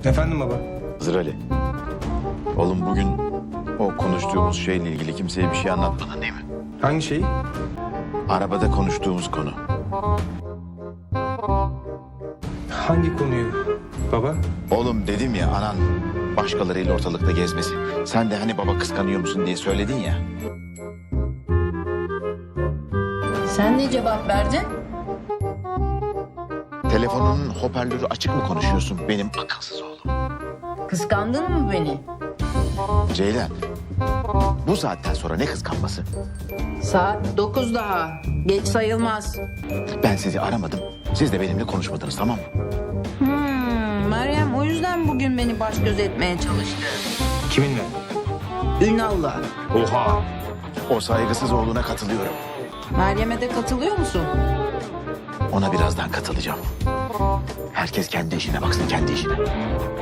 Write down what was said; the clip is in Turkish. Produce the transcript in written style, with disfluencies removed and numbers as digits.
Efendim baba? Hızır Ali. Oğlum bugün o konuştuğumuz şeyle ilgili kimseye bir şey anlatmadın değil mi? Hangi şeyi? Arabada konuştuğumuz konu. Hangi konuyu baba? Oğlum dedim ya anan başkalarıyla ortalıkta gezmesi. Sen de hani baba kıskanıyor musun diye söyledin ya. Sen ne cevap verdin? Telefonunun hoparlörü açık mı konuşuyorsun benim akılsız oğlum? Kıskandın mı beni? Ceylan, bu saatten sonra ne kıskanması? Saat 9 daha. Geç sayılmaz. Ben sizi aramadım, siz de benimle konuşmadınız tamam mı? Meryem o yüzden bugün beni baş göz etmeye çalıştı. Kiminle? Ünal'la. Oha! O saygısız oğluna katılıyorum. Meryem'e de katılıyor musun? Ona birazdan katılacağım. Herkes kendi işine baksın, kendi işine.